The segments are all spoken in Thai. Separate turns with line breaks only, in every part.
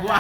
ว่า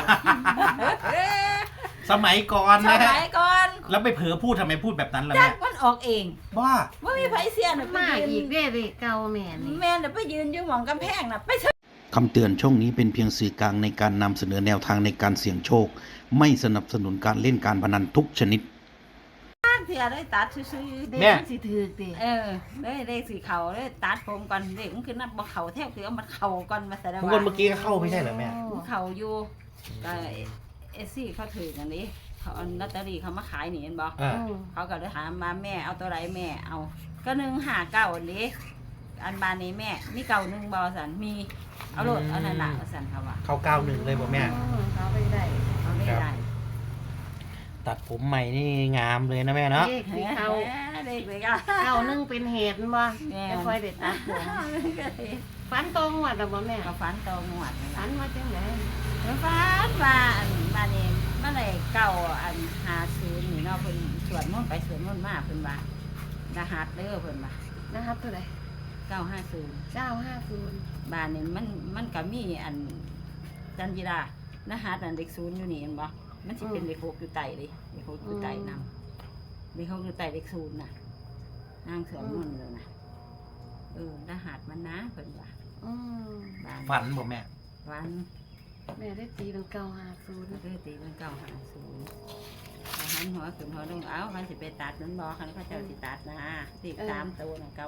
สมัยก่อน
ส
นะ
มัยก่อน
แล้วไปเผลอพูดทำไมพูดแบบนั้นล่ะ
จั
แม่
กมันออกเอง
ว่า
ว่ามีไผเสียน่ะไป
มา
ยื
อีก
น
เด้เลยเก่าแม่นี่
แม่น่ะไปยืนอยู่หม่องกำแพงน่ะไป
คำเตือนช่องนี้เป็นเพียงสื่อกลางในการนำเสนอแนวทางในการเสี่ยงโชค ไม่สนับสนุนการเล่นการพนันทุกชนิด
เถื่อได้ตัดซื่อ
เด็ก
แม่
มันสิถือติ
ๆได้เลขสีเขาได้ตัดผมก่อนเด็กมันคือนับบ่เขาแทบคือเอามันเข้าก่อนมาแสดง
ทุก
ว่า
คนเมื่อกี้ก็เข้าไม่ใช่เหรอแม่
เขาอยู่ก็เอซี่เขาถือกันนี้เขาเอาลอตเตอรี่เขามาขายนี่เห็นบ่
อ่า
เขาก็เลยถามมาแม่เอาตัวไรแม่เอาก็159อันนี้อันบานนี้แม่มีเก่าหนึ่งบ่สันมีเอาโลดเอานั่นน่ะสันเขาว่า
เข้า91เลยบ่แม่
เขาไปได้
เอาได้ได้
ตัดผมใหม่นี่งามเลยนะแม่เนาะ
เด็กสิเขา
เด็กเลยก็
เก่านึงเป็นเหตุบ่
แม่
ไม่ค่อยได้ตัดผมฝันตรงว่าแต่บ่แม่
ก็ฝันตองหวด
ฝันว่าจังได๋
ฝันว่าอันบ้านนี้บ้านไหนเก่าอัน50นี่เนาะเพิ่นสวดมนต์ไปสวดมนต์มาเพิ่นว่ารหัสเด้อเพิ่นว่า
นะครับเท่าไหร่
950
950
บ้านนี้มันก็มีอันจันจิรารหัสอันเด็ก0อยู่นี่เห็นบ่มันสิเป็นเลข6อยู่ใต้เลยเลข6อยู่ใต้นำเลข6อยู่ใต้เลข0น่ะนางสวดมนต์เลยน่ะรหัสมันนะเพิ่นว่า
อืม
บ้าน
ฝันบ่แม่
วัน
แม่ได้ตีเป็น
ก็
950
คือตีเป็น950หันหัวขึ้นหัวลงเอาคันสิไปตัดนั้นบ่คันเขาเจ้าสิตัดนะสิ3ตัวน่ะ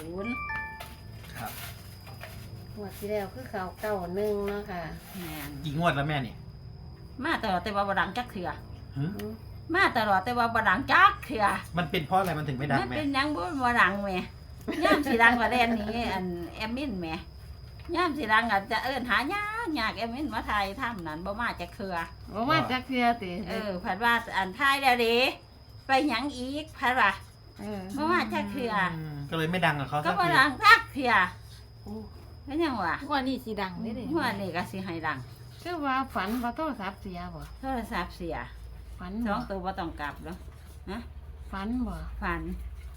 950
ครับ
งวดที่แล้วคือเขา91เนาะค่ะ
แม่น
กี่งวดแล้วแม่นี่
มาตลอดแต่ว่าบ่ดังจักเทื่อ
หึ
อืม
มาตลอดแต่ว่าบ่ดังจักเทื่อ
มันเป็นเพราะอะไรมันถึงไม่ดัง
มัน
แม่
เป็นหยังบ่ดังแหม่ย่ามสิดังกว่าแดนนี้อันแอมมินแหม่ย่ามสิดังอาจจะเอิ้นหายากแอมมินมาถ่ายถ้ำนั้นบ่มาจักเทื่อ
บ่มาจักเทื่อติ
เพัดว่าอันถ่ายแล้วเด้ไปหยังอีกพัดว่าบ่มาจักเทื่อ
ก็เลยไม่ดังกับเขา
ก็
สัก
บ่
ที
ดังจักเทื่อ
โอ้
เป็นหยังวะ
ว่านี่สีดังได้เลย
หัวนี่ก็สิให้ดัง
คือว่าฝันว่าโทรศัพท์เสียบ่
โทรศัพท์เสีย
ฝัน
ส
บ่
องตัวบ่ต้องกลับแล้ว
ฝันบ่
ฝัน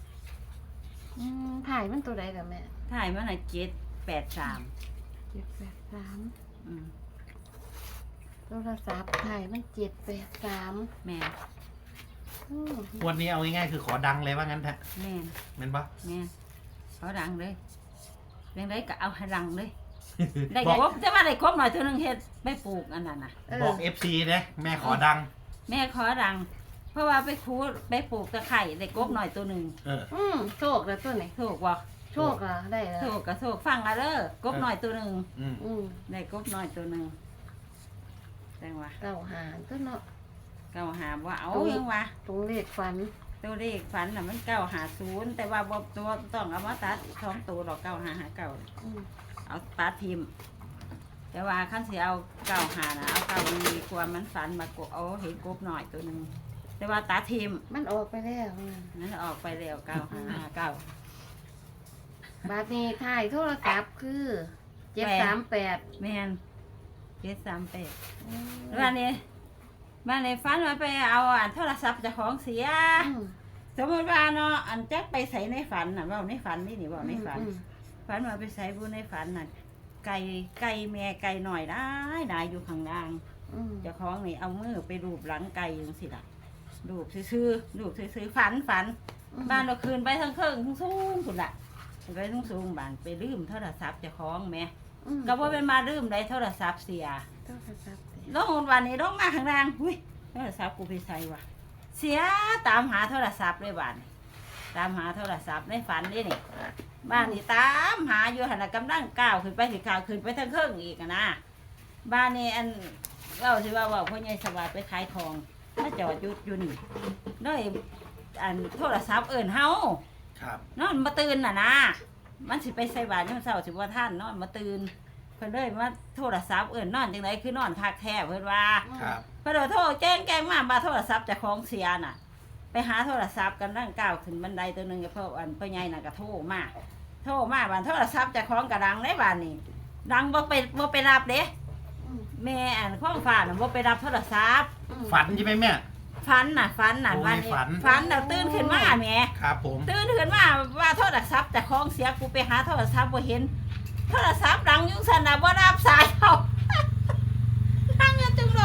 ถ่ายมันตัวใดล่ะแม่
ถ่ายมันน่ะ783
783
อืม
โทรศัพท์ถ่ายมัน783
แม่น
อืม
วันนี้เอาง่ายๆคือขอดังเลยว่างั้นแท้
แม่น
แม่นปะ
แม่นเขาดังเลยเรื่องใดก็เอาให้ดังเลย ได้
บอก
ครบแต่ว่าได้ครบหน่อยเท่านึงเฮ็ดไม่ปลูกอันนั้นน่ะ
บอก FC นะแม่ขอดัง
แม่ขอดัง เพราะว่าไปคูดไปปลูกตะไคร่ได้กบหน่อยตัวหนึง
เออ
โชคแล้วตัวไหน
ถูกบ่
โชคล่ะได้แล้ว
ถูกก็ถูกฟังอะเด้อกบหน่อยตัวหนึง
อืม
อืม
ได้กบหน่อยตัวหนึงจังว่า
เก้าหาตัวเนาะ
เก้าหาว่าเอายังวะ
ตรงเลขฝัน
ตัวเลขฝันน่ะมัน950แต่ว่าบ่ตัวต้องเอามาตัด2ตัวดอก9559
อืม
เอาตัดทิมแต่ว่าขั้นสิเอา95น่ะเอาเก้ามีความมันฝันมากบเอาเห็นกบหน่อยตัวหนึงแต่ว่าตัดทิม
มันออกไปแล้วนั่น
นั้นออกไปแล้ว9559
บาดนี้ถ่ายโทรศัพท์คือ738
แม่น738บ้านนี้ฝันว่าไปเอาอันโทรศัพท์เจ้าของเสีย สมมติว่าเนาะอันแจ็คไปใส่ในฝันน่ะเว่าในฝันนี่เว่าในฝันฝันว่าไปใส่บุในฝันน่ะไก่แม่ไก่หน่อยได้อยู่ข้างล่างเจ้าของนี่เอามือไปรูปหลังไก่จังสิล่ะรูปซื่อฝันบ้านเราคืนไปทั้งเครื่องทั้งสูงสุดละไปทั้งสูงบ้านไปลืมโทรศัพท์เจ้าของแม่ก็ว่าเป็นมาลืมได้โทรศัพท์เสีย
โทรศัพท์
ลงวันนี้ลงมาข้างล่างหุ้ยโทรศัพท์กูไปใส่วะเสียตามหาโทรศัพท์เลยบ้านตามหาโทรศัพท์ในฝันนี่นี่บ้านนี่ตามหาอยู่หันกำลังก้าวขึ้นไปสิก้าวขึ้นไปทั้งเครื่องอีกนะบ้านนี่อันเราสิว่าพ่อใหญ่สวัสดิ์ไปขายทองถ้าจอดอยู่นี่ด้วยอันโทรศัพท์เอิ้นเฮา
ครับ
นอนมาตื่นน่ะนะมันสิไปใส่บาตรยามเช้าสิว่าท่านนอนมาตื่นเพิ่นเลยมาโทรศัพท์เอิ้นนอนจังไดคือนอนคักแท้เพิ่นว่า
ครับ
เพิ่นโทรแจ้งมาบ่าโทรศัพท์เจ้าของเสียน่ะ ไปหาโทรศัพท์กันนั่งก้าวขึ้นบันไดตัวหนึงกับพ่ออันพ่อใหญ่น่ะก็โทรมาบ้านโทรศัพท์เจ้าของก็ดังได้บ้านนี่ดังบ่ไปรับเด้แม่อันข้องฟ้าน่ะบ่ไปรับโทรศัพท์
ฝันใช่ไหมแม่
ฝันน่ะ
โอ้ย
วันนี้
ฝัน
แล้วตื่นขึ้นมาแหม่
ครับผม
ตื่นขึ้นมาว่าโทรศัพท์เจ้าของเสียกูไปหาโทรศัพท์บ่เห็นโทรศัพท์ดังอยู่ซั่นน่ะบ่รับสายเขา นั่งอยู่ตรงรถ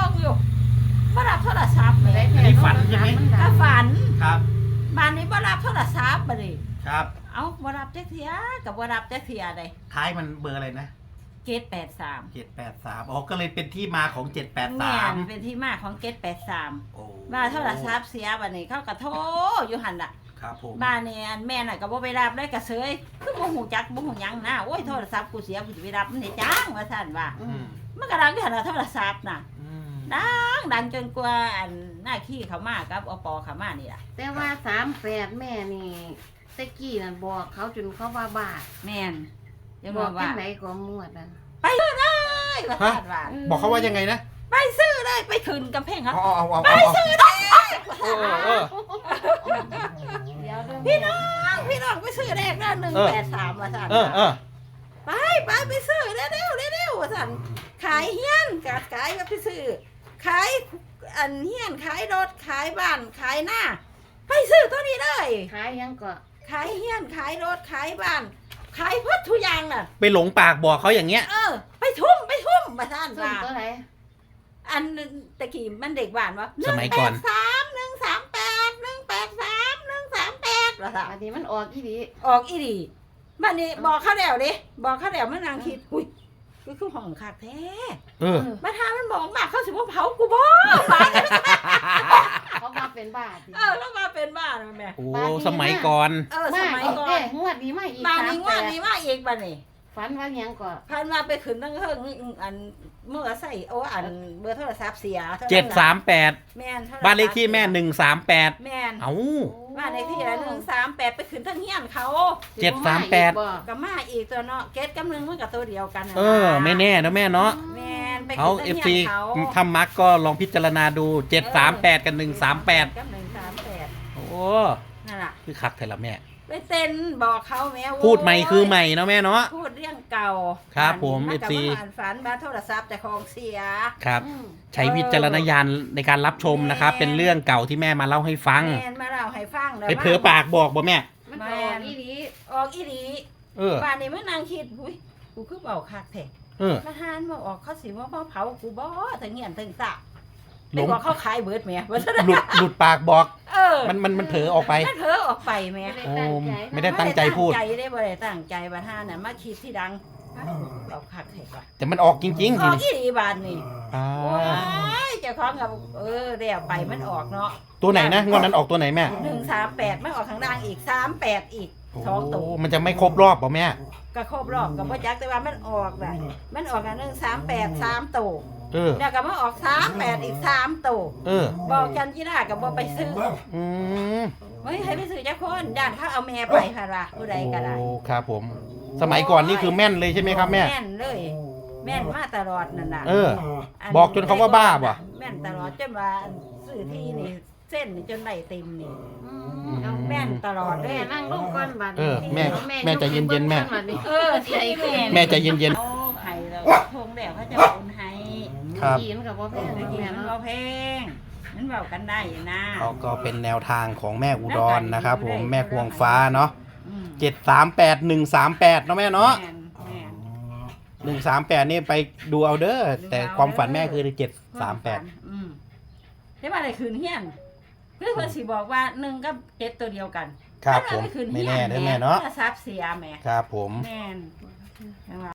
บ่รับโทรศัพท์แหม่
อันนี้ฝันใช่ไหม
ก็ฝัน
ครับ
บ้านนี้บ่รับโทรศัพท์บัดนี้
ครับ
เอ้าบ่รับจักเที่ยก็บ่รับจักเที่ยใด
ท้ายมันเบอร์อะไรนะ
เกต83
783อ๋อก็เลยเป็นที่มาของ
แม่น
783
เป็นที่มาของเกต83
โอ้
มาโทรศัพท์เสียบัดนี้เขาก็โทรอยู่หั่นล่ะ
ครับผม
บ้านนี่อันแม่น่ะก็บ่ไปรับเลยก็เสยคือบ่ฮู้จักบ่ฮู้หยังนะโอ้ยโทรศัพท์กูเสียกูสิไปรับมันได้จังว่าซั่นว่า
อืม
มันก็ดังอยู่หั่นน่ะโทรศัพท์น่ะ
อืม
ดังจนกว่าอันหน้าขี้เขามากับอปเขามานี่ล่ะ
แต่ว่า38แม่นี่ตะกี้นั่นบอกเขาจนเขาว่าบาท
แม่นจะ
บบ อ
อก ก
จั
ว่าง
ไหนก็มวดอ่ะ
ไปเลยว่าซั่นว่า
บอกเขาว่ายังไงนะ
ไปซื้อเลยไปขึ้นกำแพงครับ
เอาไปซื้อได้เออ
เดี๋ยวเด้อ
พี่น้องไปซื้อแรกนะ183ว่าซั่น
เออ
ไปซื้อเร็วว่าซั่นขายเฮียนก็ขายก็ไปซื้อขายอันเฮียนขายรถขายบ้านขายหน้าไปซื้อตัวนี้เลย
ขายยังก็
ขายเฮียนขายรถขายบ้านขายพัดทุกอย่างน่ะ
ไปหลงปากบอกเขาอย่างเงี้ย
ไปทุ่มมาท่าน
ส่ง
ว่า
ตัวไหน
อันตะกี้มันเด็กบ้านวะ
สมัยก่อน
183 ว่าท่า
อันนี้มันออกอีดี
ออกอีดีบัดนี้บอกเขาแล้วดิบอกเขาแล้วมันนางคิดอุ้ยคือห้องคักแท้
เออ
มาทามันบอกมาเขาสิบ่เผากูบ่บ้าน
เขามาเป็นบาท
แล้วมาเป็นบ้านมันแม่
โอ้สมัยก่อน
สมัยก่อน
งวดนี้มาอีก
บ้านนี้ว่านี้มาอีกบัดนี้
ฝันว่ายังก็
พันมาไปขึ้นตั้งเฮิงอันเมื่อใส่โอ้อันเบอร์โทรศัพท์เสีย
738
แม่น
บ้านเลขที่แม่138
แม่น
เอ้า
บ้านเลขที่ละ138ไปขึ้นทั้งเฮียนเขา
738
ก็มาอีกตัวเนาะเกตกับหนึงมันก็ตัวเดียวกันน่ะ
เออ ไม่แน่นะแม่เนาะ
แม่นไป
เอา
ขึ้นทั้ง
FC
เฮียนเขา
ทำมักก็ลองพิจารณาดู 738 กับ 138
กับ138
โอ้
นั่นล่ะ
คือคักแต่ละแม่
ไปเต้นบอกเขาแม่โว้ย
พูดใหม่คือใหม่เนาะแม่เนาะ
พูดเรื่องเก่า
ครับผม
น
FC
ก็อ่านฝันบ้านโทรศัพท์แต่ของเสีย
ครับ ใช้วิจารณญาณในการรับชมนะครับ เป็นเรื่องเก่าที่แม่มาเล่าให้ฟัง
แม่นมาเล่าให้ฟัง
ไปเผลอปากบอกบ่แม่
มันออกอีดี
ออกอีดี
เออ
บ้านนี้มันนางคิดอุ้ยกูคือเบาคักแท้
เออ
มาหานมาออกเขาสิว่าเผากูบ่ถึงเงียนถึงสะ
หล
ไป
ง
บอกเขาขายเบิดแม่ว่าซะ
หลุดปากบอก
มัน
เผลอออกไป
มันเผลอออกไปแม่
โอ้ไม่ได้ตั้งใจพูด
บ่ได้ตั้งใจบ้านหานน่ะมาคิดที่ดังเบาคักแท้ว่ะ
แต่มันออกจริงๆ
อ
ที
อก
นี้
อีดีบ้านนี่
อ่า
โอ้ยเจ้าของกับเดี๋ยวไปมันออกเนาะ
ตัวไหนนะงวดนั้นออกตัวไหนแม่
138มันออกข้างล่างอีก38อีก
โอ้
สองตัว
มันจะไม่ครบรอบป่ะแม่
ก็ครบรอบก็บ่จักแต่ว่ามันออกน่ะมันออกอัน138 3ตัว
เออ
แล้วก็มาออก38อีก3ตัว
เออ
บอกกันจีน่าก็บ่ไปซื้อ
อืม
เฮ้ยให้ไปซื้อจักคนด้านเขาเอาแม่ไปค่ะล่ะผู้ใดก็ได้
โอ้ครับผม สมัยก่อนนี่คือแม่นเลยใช่ไหมครับแม่
แม่นเลย แม่นมาตลอดนั่นน่ะ
เออ บอกจนเขาว่าบ้าบ่ะ
แม่นตลอดจนว่าซื้อที่นี่เส้นนี่จนได้เต็มนี่
เอา
แม่นตลอดเล
แม่
ย
นั่งลงก่อนบัด
เออแม่แม่ใจเย็นๆแม่
ที่แม่
แม่ใจเย็น
โอ้ไห้แล้วทงแล้วเขาจะโอนให้
ๆ ครับ
กินกับบ่แพง
เมื่อกี้
แม่
มัน
เนาะ
บ่เพลงมันเบากันได้อยู่นะ
เขาก็เป็นแนวทางของแม่อุดรนะครับ ผมแม่ควงฟ้าเนาะ
อืม
738 138เนาะแม่เนาะ
แม่นแม่น
138นี่ไปดูเอาเด้อแต่ความฝันแม่คือ738
อืมได้ว่าอะไรคืนเฮียนเพื่อนเพิ่นสิบอกว่า1กับ7ตัวเดียวกัน
ครับผม
คืน
ไม่
เฮีย
แน่เด้อแม่เนาะ
ทรัพย์เสียแม่
ครับผม
แม่น